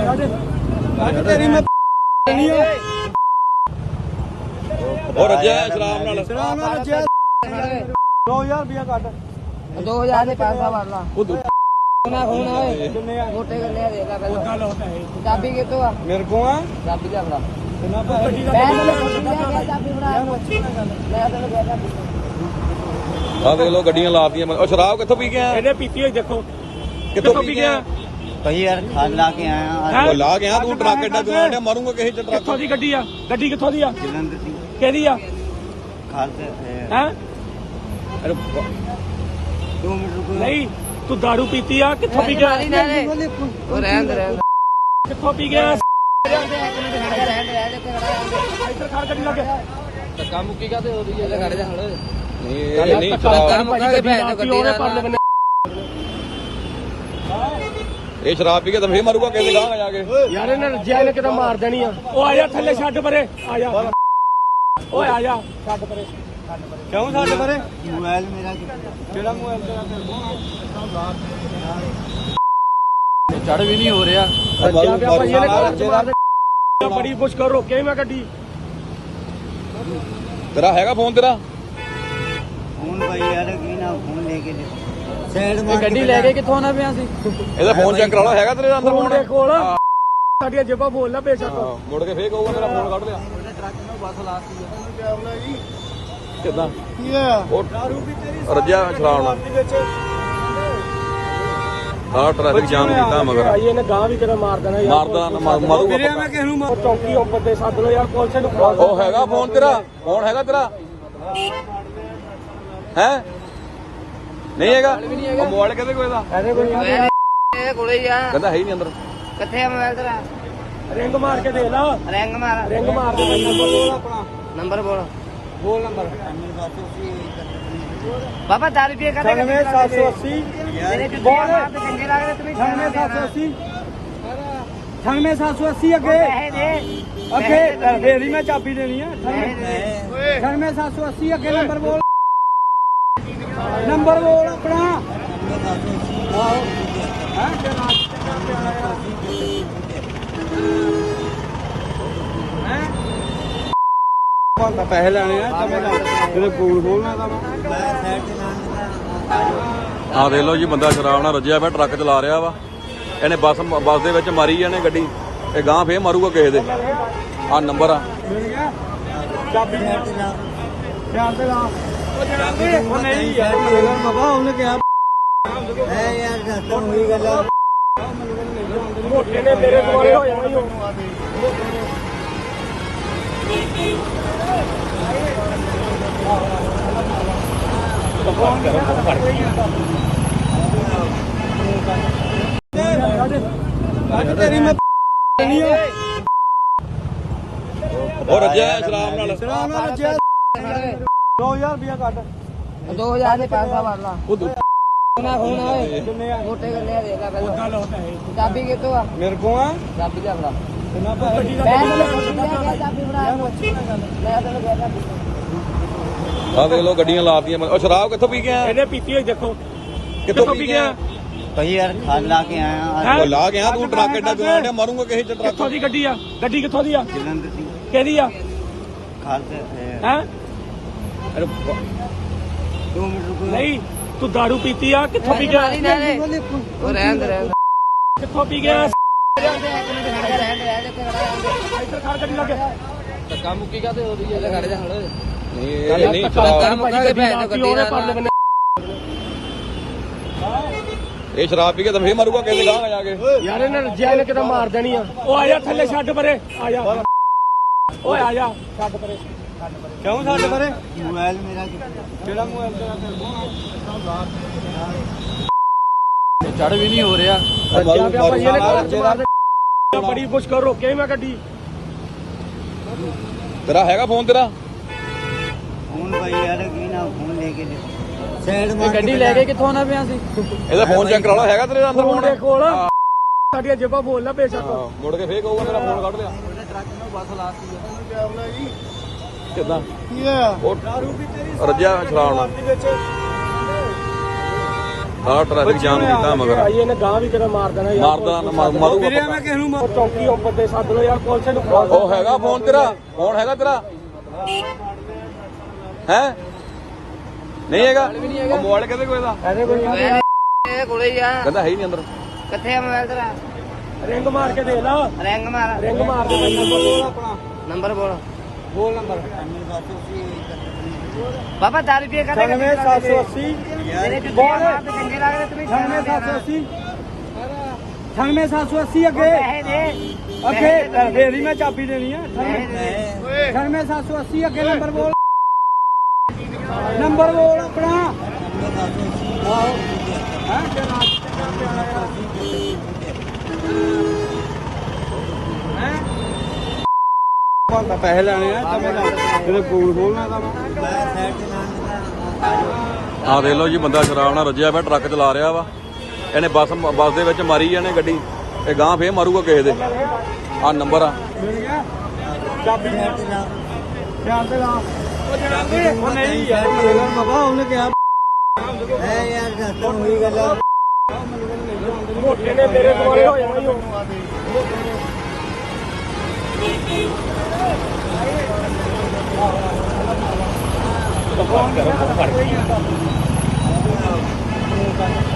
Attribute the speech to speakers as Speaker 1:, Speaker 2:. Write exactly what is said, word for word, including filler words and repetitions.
Speaker 1: ਤੇਰੀ ਮੈਂ ਨਹੀਂ ਆ
Speaker 2: ਉਹ ਰੱਜਿਆ ਸ਼ਰਾਬ ਨਾਲ
Speaker 1: ਸ਼ਰਾਬ ਨਾਲ ਰੱਜਿਆ ਦੋ ਹਜ਼ਾਰ ਰੁਪਇਆ ਕੱਢ
Speaker 3: ਦੋ ਹਜ਼ਾਰ ਦੇ ਪੈਸਾ ਵਾਲਾ
Speaker 2: ਉਹ
Speaker 3: ਨਾ ਹੁਣ ਓਏ
Speaker 1: ਕਿੰਨੇ ਆ
Speaker 3: ਮੋਟੇ ਗੱਲੇ ਆ ਦੇਖ ਲੈ ਪਹਿਲਾਂ ਚਾਬੀ ਕਿੱਥੋਂ ਆ
Speaker 1: ਮੇਰੇ ਕੋ ਆ
Speaker 3: ਚਾਬੀ ਲਿਆ ਬੜਾ
Speaker 1: ਕਿੰਨਾ ਗੱਡੀ ਦਾ
Speaker 3: ਮੈਂ ਤੈਨੂੰ ਚਾਬੀ ਬਣਾ ਮੈਂ ਤੈਨੂੰ ਕਹਿ ਚਾਬੀ
Speaker 2: ਆ ਦੇਖ ਲੋ ਗੱਡੀਆਂ ਲਾਤੀਆਂ ਉਹ ਸ਼ਰਾਬ ਕਿੱਥੋਂ ਪੀ ਗਿਆ
Speaker 4: ਇਹਨੇ ਪੀਤੀ ਹੋਈ ਦੇਖੋ
Speaker 2: ਕਿੱਥੋਂ ਪੀ ਗਿਆ
Speaker 1: ਭਾਈ ਯਾਰ ਖਾਲ ਲਾ ਕੇ ਆਇਆ
Speaker 2: ਉਹ ਲਾ ਗਿਆ ਤੂੰ ਟਰੱਕ ਐਡਾ ਗਵਾਂਡਿਆ ਮਾਰੂੰਗਾ ਕਿਸੇ ਚ ਟਰੱਕ
Speaker 4: ਕਿੱਥੋਂ ਦੀ ਗੱਡੀ ਆ ਗੱਡੀ ਕਿੱਥੋਂ ਦੀ ਆ
Speaker 1: ਜਲੰਧਰ ਦੀ
Speaker 4: ਕਿਹਦੀ ਆ
Speaker 1: ਖਾਲ ਤੇ
Speaker 4: ਹੈ
Speaker 1: ਦੋ ਮਿੰਟ ਰੁਕੋ
Speaker 4: ਨਹੀਂ ਤੂੰ ਦਾਰੂ ਪੀਤੀ ਆ ਕਿੱਥੋਂ ਪੀ ਗਿਆ
Speaker 3: ਉਹ ਰਹਿਣ ਦੇ ਰਹਿਣ
Speaker 4: ਕਿੱਥੋਂ ਪੀ ਗਿਆ
Speaker 3: ਦੇ
Speaker 4: ਇੱਧਰ ਖੜ ਗੱਡੀ ਲੱਗੇ
Speaker 3: ਧੱਕਾ ਮੁੱਕੀ ਕਾ ਤੇ ਹੋ ਰਹੀ ਹੈ ਖੜ ਜਾ ਹਣ
Speaker 2: ਨਹੀਂ ਇਹ ਨਹੀਂ ਸ਼ਰਾਬ
Speaker 3: ਮੁੱਕਾ ਕੇ ਭੈਣ ਗੱਡੀ ਨਾਲ
Speaker 2: ਇਹ ਸ਼ਰਾਬ ਪੀ ਕੇ ਤਾਂ ਫੇਰ ਮਾਰੂਗਾ ਕਿਸੇ ਗਾਂ ਜਾ ਕੇ
Speaker 4: ਯਾਰ ਇਹਨਾਂ ਰੱਜਿਆ ਨੇ ਕਿਤੇ ਮਾਰ ਦੇਣੀ ਆ ਉਹ ਆ ਜਾ ਥੱਲੇ ਛੱਡ ਪਰੇ ਆ ਜਾ ਓਏ ਆ ਜਾ ਛੱਡ ਪਰੇ
Speaker 1: ਕਿਉਂ ਸਾਡੇ ਬਾਰੇ ਮੋਬਾਈਲ ਮੇਰਾ ਕਿਹੜਾ ਮੋਬਾਈਲ ਤੇਰਾ
Speaker 3: ਚੜ ਵੀ ਨਹੀਂ ਹੋ ਰਿਹਾ
Speaker 4: ਰੱਜਿਆ ਪਿਆ ਭਾਈ ਇਹਨੇ ਘਰ ਚ ਮਾਰ ਦੇ ਬੜੀ ਮੁਸ਼ਕਲ ਰੋਕੇ ਮੈਂ ਗੱਡੀ
Speaker 2: ਤੇਰਾ ਹੈਗਾ ਫੋਨ ਤੇਰਾ
Speaker 1: ਫੋਨ ਭਾਈ ਯਾਰ ਕੀ ਨਾ ਫੋਨ ਲੈ ਕੇ ਸਾਈਡ
Speaker 3: ਇਹ
Speaker 1: ਮਾਰ
Speaker 3: ਗੱਡੀ ਲੈ ਕੇ ਕਿੱਥੋਂ ਨਾ ਪਿਆ ਸੀ
Speaker 2: ਇਹਦਾ ਫੋਨ ਚੈੱਕ ਕਰਾ ਲਓ ਹੈਗਾ ਤੇਰੇ ਅੰਦਰ
Speaker 4: ਫੋਨ
Speaker 2: ਫੋਨ
Speaker 4: ਦੇ ਕੋਲ ਸਾਡੀਆਂ ਜੇਬਾਂ ਬੋਲ ਲੈ ਬੇਸ਼ੱਕ
Speaker 2: ਮੁੜ ਕੇ ਫੇਰ ਕਹੂਗਾ ਮੇਰਾ ਫੋਨ ਕੱਢ ਲਿਆ
Speaker 3: ਟਰੱਕ ਨੂੰ ਬੱਸ ਲਾਤੀ
Speaker 2: ਕਿੱਦਾਂ
Speaker 1: ਕੀ ਆ
Speaker 2: ਉਹ ਰੱਜਿਆ ਸ਼ਰਾਬ ਨਾਲ ਆਹ ਟ੍ਰੈਫਿਕ ਜਾਮ ਕੀਤਾ ਮਗਰ
Speaker 4: ਭਾਈ ਇਹਨੇ ਗਾਂ ਵੀ ਕਿਤੇ ਮਾਰ ਦੇਣਾ ਯਾਰ
Speaker 2: ਮਾਰਦਾ ਮਾਰੂਗਾ
Speaker 1: ਵੀਰੇ ਮੈਂ ਕਿਸ ਨੂੰ
Speaker 4: ਉਹ ਚੌਂਕੀ ਉੱਪਰ ਤੇ ਸੱਦ ਲੋ ਯਾਰ ਪੁਲਿਸ ਨੂੰ ਫੜਾ ਦਿਓ।
Speaker 2: ਉਹ ਹੈਗਾ ਫੋਨ ਤੇਰਾ ਫੋਨ ਹੈਗਾ ਤੇਰਾ ਹੈ ਨਹੀਂ ਹੈਗਾ ਉਹ ਮੋਬਾਈਲ ਕਿਹਦੇ ਕੋਲ ਇਹਦਾ
Speaker 4: ਇਹਦੇ ਕੋਈ
Speaker 3: ਇਹਦੇ ਕੋਲੇ ਹੀ ਆ
Speaker 2: ਕਹਿੰਦਾ ਹੈ ਹੀ ਨਹੀਂ ਅੰਦਰ
Speaker 3: ਕਿੱਥੇ ਆ ਮੋਬਾਈਲ ਤੇਰਾ
Speaker 4: ਰਿੰਗ ਮਾਰ ਕੇ ਦੇ ਲਾ
Speaker 3: ਰਿੰਗ ਮਾਰ
Speaker 4: ਰਿੰਗ ਮਾਰ ਦੇ ਭਾਈ ਨੰਬਰ ਬੋਲ ਆਪਣਾ
Speaker 3: ਨੰਬਰ ਬੋਲ
Speaker 4: ਬੋਲ ਨੰਬਰ
Speaker 3: ਬਾਬਾ ਦਸ ਰੁਪਏ ਕਦੇ
Speaker 4: ਅਠਾਨਵੇਂ ਸੱਤ ਸੌ ਅੱਸੀ
Speaker 3: ਤੇਰੇ ਜੁੱਤੇ ਮਾਰ ਤੇ ਚੰਗੇ ਲੱਗਦੇ ਤੁਸੀਂ
Speaker 4: ਅਠਾਨਵੇਂ ਸੱਤ ਸੌ ਅੱਸੀ ਅਠਾਨਵੇਂ ਸੱਤ ਸੌ ਅੱਸੀ ਅੱਗੇ
Speaker 3: ਪੈਸੇ ਦੇ
Speaker 4: ਅੱਗੇ ਫੇਰ ਹੀ ਮੈਂ ਚਾਬੀ ਦੇਣੀ ਆ ਅਠਾਨਵੇਂ ਸੱਤ ਸੌ ਅੱਸੀ ਅੱਗੇ ਨੰਬਰ ਬੋਲ ਨੰਬਰ ਬੋਲ ਆਪਣਾ ਆਹੋ ਹਾਂ
Speaker 1: ਮੈਂ ਪੈਸੇ ਲੈਣੇ ਆ ਤੇਰੇ ਕੋਲ ਖੋਲਣਾ ਤਾਂ ਮੈਂ ਸਾਈਡ ਤੇ
Speaker 2: ਆ ਦੇਖ ਲਓ ਜੀ ਬੰਦਾ ਸ਼ਰਾਬ ਨਾਲ ਰੱਜਿਆ ਪਿਆ ਟਰੱਕ ਚਲਾ ਰਿਹਾ ਵਾ ਇਹਨੇ ਬੱਸ ਬੱਸ ਦੇ ਵਿੱਚ ਮਾਰੀ ਜਾਣੇ ਗੱਡੀ ਇਹ ਗਾਂ ਫੇਰ ਮਾਰੂਗਾ ਕਿਸੇ ਦੇ ਆ ਨੰਬਰ ਆ
Speaker 4: ਮਿਲ ਗਿਆ ਚਾਬੀ ਧਿਆਨ ਤੇ ਲਾ ਉਹ ਜਨਾਬੇ ਉਹ ਨਹੀਂ ਯਾਰ
Speaker 1: ਬਾਬਾ ਉਹਨੇ ਕਿਹਾ ਐ ਯਾਰ ਦੱਸ ਹੋਈ ਗੱਲ ਆ
Speaker 4: ਮੋਟੇ ਨੇ ਮੇਰੇ ਦੁਆਲੇ ਹੋ ਜਾਣਾ ਹੀ ਉਹ
Speaker 1: ਤੇਰੀ ਮੈਂ ਨਹੀਂ ਆ
Speaker 2: ਉਹ ਰੱਜਿਆ ਸ਼ਰਾਬ ਨਾਲ
Speaker 1: ਸ਼ਰਾਬ ਨਾਲ ਰੱਜਿਆ ਦੋ ਹਜ਼ਾਰ ਰੁਪਇਆ ਕੱਢ
Speaker 3: ਦੋ ਹਜ਼ਾਰ ਦੇ ਪੈਸਾ ਵਾਲਾ
Speaker 2: ਉਹ
Speaker 3: ਨਾ ਹੁਣ ਓਏ
Speaker 1: ਕਿੰਨੇ ਆ
Speaker 3: ਮੋਟੇ ਗੱਲੇ ਆ ਦੇਖ ਲੈ ਪਹਿਲਾਂ ਚਾਬੀ ਕਿੱਥੋਂ ਆ
Speaker 1: ਮੇਰੇ ਕੋ ਆ
Speaker 3: ਚਾਬੀ ਲਿਆ ਬੜਾ
Speaker 1: ਕਿੰਨਾ
Speaker 4: ਗੱਡੀ ਦਾ
Speaker 3: ਮੈਂ ਤੈਨੂੰ ਚਾਬੀ ਬਣਾ ਮੈਂ ਤੈਨੂੰ ਕਹਿ ਚਾਬੀ
Speaker 2: ਆ ਦੇਖ ਲੋ ਗੱਡੀਆਂ ਲਾਤੀਆਂ ਉਹ ਸ਼ਰਾਬ ਕਿੱਥੋਂ ਪੀ ਗਿਆ
Speaker 4: ਇਹਨੇ ਪੀਤੀ ਹੋਈ ਦੇਖੋ
Speaker 2: ਕਿੱਥੋਂ ਪੀ ਗਿਆ
Speaker 1: ਭਾਈ ਯਾਰ ਖਾਲ ਲਾ ਕੇ ਆਇਆ
Speaker 2: ਉਹ ਲਾ ਗਿਆ ਤੂੰ ਟਰੱਕ ਐਡਾ ਗਵਾਂਡਿਆ ਮਾਰੂੰਗਾ ਕਿਸੇ ਚ ਟਰੱਕ
Speaker 4: ਕਿੱਥੋਂ ਦੀ ਗੱਡੀ ਆ ਗੱਡੀ ਕਿੱਥੋਂ ਦੀ ਆ
Speaker 1: ਜਲੰਧਰ ਦੀ
Speaker 4: ਕਿਹਦੀ ਆ
Speaker 1: ਖਾਲ ਤੇ
Speaker 4: ਹੈ
Speaker 1: ਦੋ ਮਿੰਟ ਰੁਕੋ
Speaker 4: ਨਹੀਂ ਤੂੰ ਦਾਰੂ ਪੀਤੀ ਆ ਕਿੱਥੋਂ ਪੀ ਗਿਆ
Speaker 3: ਉਹ ਰਹਿਣ ਦੇ ਰਹਿਣ
Speaker 4: ਕਿੱਥੋਂ ਪੀ ਗਿਆ
Speaker 3: ਰਹਿਣ ਦੇ
Speaker 4: ਇੱਧਰ ਖੜ ਗੱਡੀ ਲੱਗੇ
Speaker 3: ਧੱਕਾ ਮੁੱਕੀ ਕਾ ਤੇ ਹੋ ਰਹੀ ਹੈ ਖੜ ਜਾ ਹਣ
Speaker 2: ਨਹੀਂ ਇਹ ਨਹੀਂ ਸ਼ਰਾਬ
Speaker 3: ਮੁੱਕਾ ਕੇ ਭੈਣ ਗੱਡੀ ਨਾਲ
Speaker 2: ਇਹ ਸ਼ਰਾਬ ਪੀ ਕੇ ਤਾਂ ਫੇਰ ਮਾਰੂਗਾ ਕਿਸੇ ਗਾਂ ਜਾ ਕੇ
Speaker 4: ਯਾਰ ਇਹਨਾਂ ਰੱਜਿਆ ਨੇ ਕਿਤੇ ਮਾਰ ਦੇਣੀ ਆ ਉਹ ਆ ਜਾ ਥੱਲੇ ਛੱਡ ਪਰੇ ਆ ਜਾ ਓਏ ਆ ਜਾ ਛੱਡ ਪਰੇ
Speaker 1: ਕਿਉਂ ਸਾਡੇ ਬਾਰੇ ਮੋਬਾਈਲ ਮੇਰਾ ਕਿਹੜਾ ਮੋਬਾਈਲ ਤੇਰਾ
Speaker 3: ਚੜ ਵੀ ਨਹੀਂ ਹੋ ਰਿਹਾ
Speaker 4: ਰੱਜਿਆ ਪਿਆ ਭਾਈ ਇਹਨੇ ਘਰ ਚ ਮਾਰ ਦੇ ਬੜੀ ਮੁਸ਼ਕਲ ਰੋਕੇ ਮੈਂ ਗੱਡੀ
Speaker 2: ਤੇਰਾ ਹੈਗਾ ਫੋਨ ਤੇਰਾ
Speaker 1: ਫੋਨ ਭਾਈ ਯਾਰ ਕੀ ਨਾ ਫੋਨ ਲੈ ਕੇ ਸਾਈਡ
Speaker 3: ਇਹ
Speaker 1: ਮਾਰ
Speaker 3: ਗੱਡੀ ਲੈ ਕੇ ਕਿੱਥੋਂ ਨਾ ਪਿਆ ਸੀ
Speaker 2: ਇਹਦਾ ਫੋਨ ਚੈੱਕ ਕਰਾ ਲਓ ਹੈਗਾ ਤੇਰੇ ਅੰਦਰ
Speaker 4: ਫੋਨ
Speaker 2: ਫੋਨ
Speaker 4: ਦੇ ਕੋਲ ਸਾਡੀਆਂ ਜੇਬਾਂ ਬੋਲ ਲੈ ਬੇਸ਼ੱਕ
Speaker 2: ਮੁੜ ਕੇ ਫੇਰ ਕਹੂਗਾ ਮੇਰਾ ਫੋਨ ਕੱਢ ਲਿਆ
Speaker 3: ਟਰੱਕ ਨੂੰ ਬੱਸ ਲਾਤੀ
Speaker 2: ਕਿੱਦਾਂ
Speaker 1: ਕੀ ਆ
Speaker 2: ਉਹ ਰੱਜਿਆ ਸ਼ਰਾਬ ਨਾਲ ਆਹ ਟ੍ਰੈਫਿਕ ਜਾਮ ਕੀਤਾ ਮਗਰ
Speaker 4: ਭਾਈ ਇਹਨੇ ਗਾਂ ਵੀ ਕਿਤੇ ਮਾਰ ਦੇਣਾ ਯਾਰ
Speaker 2: ਮਾਰਦਾ ਮਾਰੂ
Speaker 1: ਵੀਰੇ ਮੈਂ ਕਿਸ ਨੂੰ
Speaker 4: ਉਹ ਚੌਂਕੀ ਉੱਪਰ ਤੇ ਸੱਦ ਲੋ ਯਾਰ ਪੁਲਿਸ ਨੂੰ ਬੁਲਾ ਲਓ।
Speaker 2: ਉਹ ਹੈਗਾ ਫੋਨ ਤੇਰਾ ਫੋਨ ਹੈਗਾ ਤੇਰਾ ਹੈ ਨਹੀਂ ਹੈਗਾ ਉਹ ਮੋਬਾਈਲ ਕਿਹਦੇ ਕੋਲ ਦਾ
Speaker 4: ਇਹਦੇ ਕੋਈ
Speaker 3: ਇਹ ਕੋਲੇ ਹੀ ਆ
Speaker 2: ਕਹਿੰਦਾ ਹੈ ਹੀ ਨਹੀਂ ਅੰਦਰ
Speaker 3: ਕਿੱਥੇ ਆ ਮੋਬਾਈਲ ਤੇਰਾ
Speaker 4: ਰਿੰਗ ਮਾਰ ਕੇ ਦੇ ਲਾ
Speaker 3: ਰਿੰਗ ਮਾਰ
Speaker 4: ਰਿੰਗ ਮਾਰ ਦੇ ਭਾਈ ਨੰਬਰ ਬੋਲ
Speaker 1: ਆਪਣਾ
Speaker 3: ਨੰਬਰ ਬੋਲ
Speaker 1: ਬੋਲ ਨੰਬਰ
Speaker 3: ਬਾਬਾ ਦਸ ਰੁਪਏ ਕਦੇ
Speaker 1: ਛਿਆਨਵੇਂ ਸੱਤ ਸੌ ਅੱਸੀ
Speaker 3: ਮੇਰੇ ਜੁੱਤੇ ਮਾਰ ਤੇ ਚੰਗੇ ਲੱਗਦੇ ਤੁਸੀਂ
Speaker 1: ਛਿਆਨਵੇਂ ਸੱਤ ਸੌ ਅੱਸੀ ਛਿਆਨਵੇਂ ਸੱਤ ਸੌ ਅੱਸੀ ਅੱਗੇ
Speaker 3: ਪੈਸੇ ਦੇ
Speaker 1: ਅੱਗੇ ਫੇਰ ਹੀ ਮੈਂ ਚਾਬੀ ਦੇਣੀ ਆ ਛਿਆਨਵੇਂ ਸੱਤ ਸੌ ਅੱਸੀ ਅੱਗੇ ਨੰਬਰ ਬੋਲ ਨੰਬਰ ਬੋਲ ਆਪਣਾ ਆਹੋ ਹਾਂ ਬੰਦਾ ਪੈਸੇ ਲੈਣੇ ਆ ਤਾਂ ਤੇਰੇ ਕੋਲ ਖੋਲਣਾ ਤਾਂ
Speaker 2: ਆਹ ਦੇਖ ਲਓ ਜੀ ਬੰਦਾ ਸ਼ਰਾਬ ਨਾਲ ਰੱਜਿਆ ਪਿਆ ਟਰੱਕ ਚਲਾ ਰਿਹਾ ਵਾ ਇਹਨੇ ਬੱਸ ਬੱਸ ਦੇ ਵਿੱਚ ਮਾਰੀ ਇਹਨੇ ਗੱਡੀ ਇਹ ਗਾਂ ਫੇਰ ਮਾਰੂਗਾ ਕਿਸੇ ਦੇ ਆਹ ਨੰਬਰ ਆ
Speaker 1: ਮਿਲ ਗਿਆ ਚਾਬੀ ਧਿਆਨ ਤੇ ਲਾ ਉਹ ਜਨਾਬੀ ਉਹ ਨਹੀਂ ਯਾਰ ਬਾਬਾ ਉਹਨੇ ਕਿਹਾ ਐ ਯਾਰ ਦੱਸ ਹੋਈ ਗੱਲ
Speaker 4: ਮੋਟੇ ਨੇ ਮੇਰੇ ਦੁਆਲੇ ਹੋ ਜਾਣਾ ਹੀ ਉਹ
Speaker 1: ਫੋਨ ਕਰੋ ਫੜ